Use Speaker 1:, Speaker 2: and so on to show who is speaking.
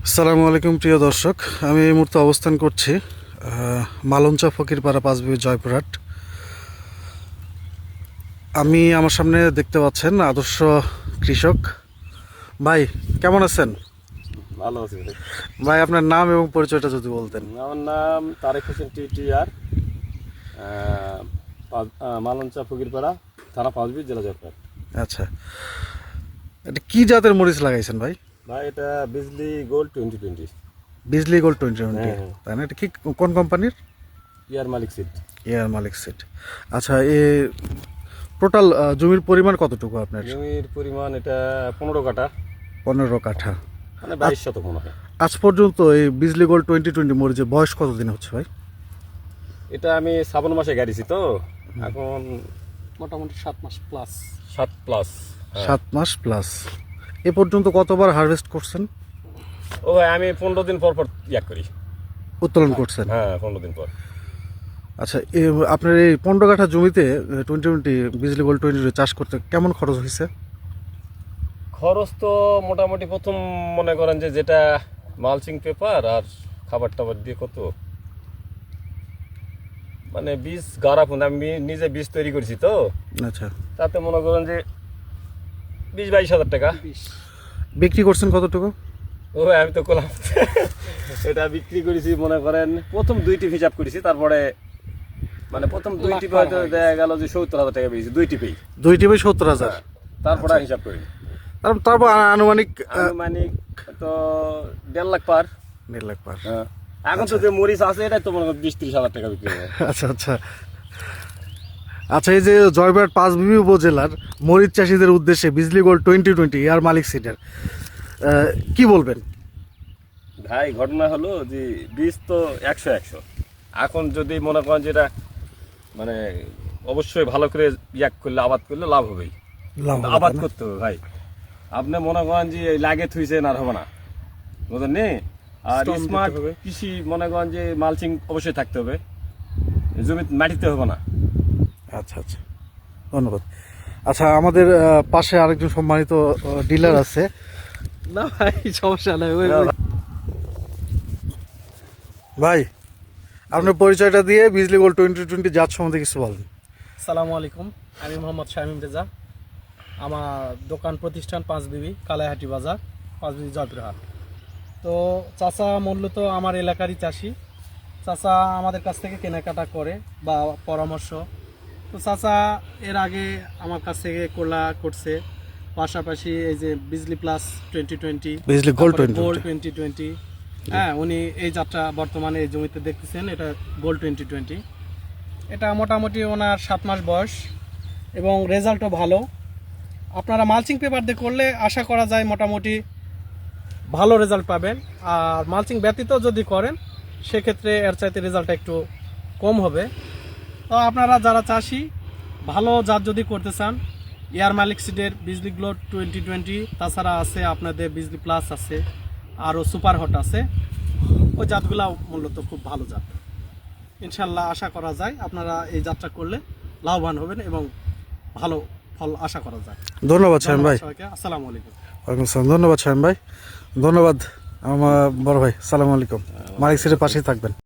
Speaker 1: আসসালামু আলাইকুম প্রিয় দর্শক, আমি এই মুহূর্তে অবস্থান করছি মালঞ্চা ফকিরপাড়া পাঁচবিবি জয়পুরহাট। আমার সামনে দেখতে পাচ্ছেন আদর্শ কৃষক ভাই। কেমন আছেন?
Speaker 2: ভালো আছি ভাই।
Speaker 1: ভাই, আপনার নাম এবং পরিচয়টা যদি বলতেন।
Speaker 2: আমার নাম তারেক হোসেন টিটিআর, মালঞ্চা ফকিরপাড়া, থানা পাঁচবি, জেলা জয়পুরহাট।
Speaker 1: আচ্ছা, এটা কি জাতের মরিচ লাগাইছেন ভাই?
Speaker 2: ভাই এটা বিজলি গোল্ড 2020।
Speaker 1: বিজলি গোল্ড 2020,
Speaker 2: হ্যাঁ।
Speaker 1: তাই না? এটা কি কোন কোম্পানির?
Speaker 2: ইয়ার মালিক সিট।
Speaker 1: এয়ার মালিক সিড। আচ্ছা, টোটাল জমির পরিমাণ কতটুকু আপনার?
Speaker 2: জমির পরিমাণ এটা 15 কাঠা,
Speaker 1: 15 কাঠা,
Speaker 2: মানে 22 শতক মনে হয়।
Speaker 1: আজ পর্যন্ত এই বিজলি গোল্ড 2020 মরিচের বয়স কতদিন হচ্ছে ভাই?
Speaker 2: এটা আমি শ্রাবণ মাসে গাড়িছি তো, এখন
Speaker 3: মোটামুটি 7 মাস প্লাস।
Speaker 2: 7 প্লাস।
Speaker 1: 7 মাস প্লাস। এ পর্যন্ত কতবার হারভেস্ট করছেন?
Speaker 2: ও ভাই, আমি 15 দিন পর পর করি।
Speaker 1: উত্তোলন করছেন?
Speaker 2: হ্যাঁ, 15 দিন পর।
Speaker 1: আচ্ছা, আপনার এই 15 কাঠা জমিতে 2020 বিজলি গোল্ড 2020 চাষ করতে কেমন খরচ হয়েছে?
Speaker 2: খরচ তো মোটামুটি প্রথম মনে করেন যে যেটা মালচিং পেপার আর খাবার টাবার দিয়ে কত, মানে বীজ গাড়া ফোন আমি নিজে বীজ তৈরি করেছি তো,
Speaker 1: আচ্ছা,
Speaker 2: তাতে মনে করেন যে 20-22 হাজার টাকা।
Speaker 1: বিক্রি করছেন কতটুকু?
Speaker 2: ও আমি তো করলাম এটা বিক্রি করেছি মনে করেন প্রথম 2টি হিসাব করেছি, তারপরে মানে প্রথম 2টি হয়তো দেখা গেল যে 70,000 টাকা পেয়েছি 2টি পেয়ে।
Speaker 1: 2টি বাই 70,000।
Speaker 2: তারপরে আর হিসাব করিনি।
Speaker 1: তারপর আনুমানিক
Speaker 2: আনুমানিক তো 1.5 লাখ পার।
Speaker 1: 1.5 লাখ পার।
Speaker 2: হ্যাঁ, এখন তো যে মরিচ আছে এটাই তো মনে করেন 20-30 হাজার টাকা বিক্রি হবে।
Speaker 1: আচ্ছা আচ্ছা আচ্ছা, এই যে জয়পুরহাট পাঁচবিবি উপজেলার মরিচ চাষিদের উদ্দেশ্যে বিজলি গোল্ড 2020 এয়ার মালিক সিডের কি বলবেন?
Speaker 2: ভাই ঘটনা হলো যে বীজ তো 100 এখন যদি মনে করেন যেটা মানে অবশ্যই ভালো করে করলে আবাদ করলে লাভ হবেই। আবাদ করতে হবে ভাই, আপনি মনে করেন যে লাগে থুইছেন আর হবে না, বুঝলেন নি? আর স্মার্ট কৃষি মনে করেন যে মালচিং অবশ্যই থাকতে হবে, জমি মাটিতে হবে না।
Speaker 1: আচ্ছা আচ্ছা, ধন্যবাদ। আচ্ছা, আমাদের পাশে আরেকজন সম্মানিত ডিলার আছে।
Speaker 3: না ভাই, সমস্যা নাই।
Speaker 1: ভাই, আপনার পরিচয়টা দিয়ে বিজলি গোল্ড 2020 জাত সম্বন্ধে কিছু বলেন।
Speaker 3: আসসালামু আলাইকুম, আমি মোহাম্মদ শামীম রেজা। আমার দোকান প্রতিষ্ঠান পাঁচবিবি, কালাইহাটি বাজার, পাঁচবিবি জয়পুরহাট। তো চাচা মূলত আমার এলাকারই চাষি। চাচা আমাদের কাছ থেকে কেনাকাটা করে বা পরামর্শ। তো চাচা এর আগে আমার কাছ থেকে করছে, পাশাপাশি এই যে Bijli plus 2020,
Speaker 1: Bijli gold
Speaker 3: gold 2020। হ্যাঁ, উনি এই যাত্রা বর্তমানে এই জমিতে দেখতেছেন, এটা গোল্ড 2020। এটা মোটামুটি ওনার 7 মাস বয়স এবং রেজাল্টও ভালো। আপনারা মালচিং পেপার দিয়ে করলে আশা করা যায় মোটামুটি ভালো রেজাল্ট পাবেন। আর মালচিং ব্যতীত যদি করেন সেক্ষেত্রে এর চাইতে রেজাল্টটা একটু কম হবে। তো আপনারা যারা চাষি ভালো জাত যদি করতে চান, এয়ার মালিক সিডের বিজলি গ্লোড 2020, তাছাড়া আছে আপনাদের বিজলি প্লাস আছে, আরও সুপার হট আছে। ওই জাতগুলো মূলত খুব ভালো জাত। ইনশাল্লাহ আশা করা যায় আপনারা এই যাত্রা করলে লাভবান হবেন এবং ভালো ফল আশা করা যায়।
Speaker 1: ধন্যবাদ শামীম ভাই।
Speaker 3: সবাইকে আসসালামু আলাইকুম।
Speaker 1: ওয়ালাইকুম আসসালাম। ধন্যবাদ শামীম ভাই, ধন্যবাদ আমার বড় ভাই। আসসালামু আলাইকুম। মালিক সিটের পাশেই থাকবেন।